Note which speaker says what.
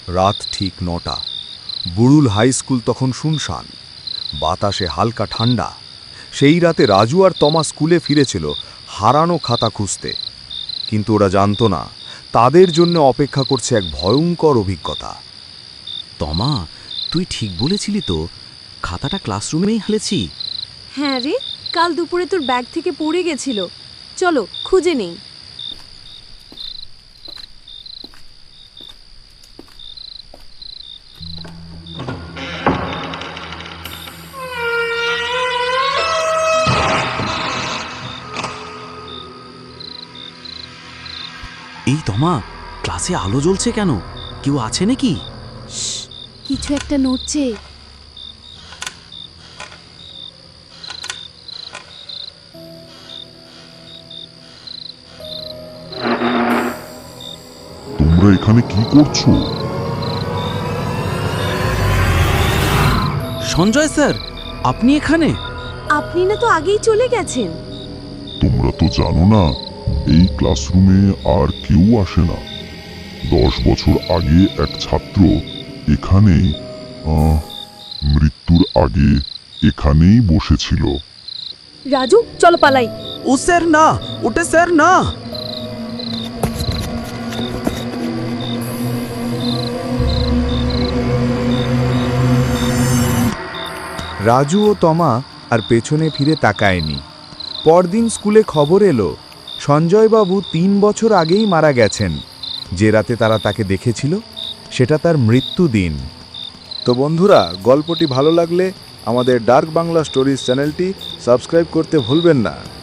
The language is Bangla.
Speaker 1: রাত ঠিক ৯টা। বুড়ুল হাই স্কুল তখন শুনশান, বাতাসে হালকা ঠান্ডা। সেই রাতে রাজু আর তমা স্কুলে ফিরেছিল হারানো খাতা খুঁজতে, কিন্তু ওরা জানতো না তাদের জন্য অপেক্ষা করছে এক ভয়ঙ্কর অভিজ্ঞতা।
Speaker 2: তমা, তুই ঠিক বলেছিলি তো, খাতাটা ক্লাসরুমেই হালেছি।
Speaker 3: হ্যাঁ রে, কাল দুপুরে তোর ব্যাগ থেকে পড়ে গেছিল। চলো খুঁজে নেই।
Speaker 2: এই তমা, ক্লাসে আলো জ্বলছে কেন? কেউ আছে নাকি?
Speaker 3: কিছু একটা নড়ছে।
Speaker 4: তোমরা এখানে কি করছো?
Speaker 2: সঞ্জয় স্যার, আপনি এখানে?
Speaker 3: আপনি না তো আগেই চলে গেছেন।
Speaker 4: তোমরা তো জানো না, এই ক্লাসরুমে আর কেউ আসে না। 10 বছর আগে এক ছাত্র এখানেই মৃত্যুর আগে এখানেই বসেছিল।
Speaker 3: রাজু, চলো পালাই।
Speaker 2: ও স্যার না, ওটা স্যার না।
Speaker 1: রাজু ও তমা আর পেছনে ফিরে তাকায়নি। পরদিন স্কুলে খবর এলো, সঞ্জয়বাবু 3 বছর আগেই মারা গেছেন। যে রাতে তারা তাকে দেখেছিল সেটা তার মৃত্যুদিন। তো বন্ধুরা, গল্পটি ভালো লাগলে আমাদের ডার্ক বাংলা স্টোরিজ চ্যানেলটি সাবস্ক্রাইব করতে ভুলবেন না।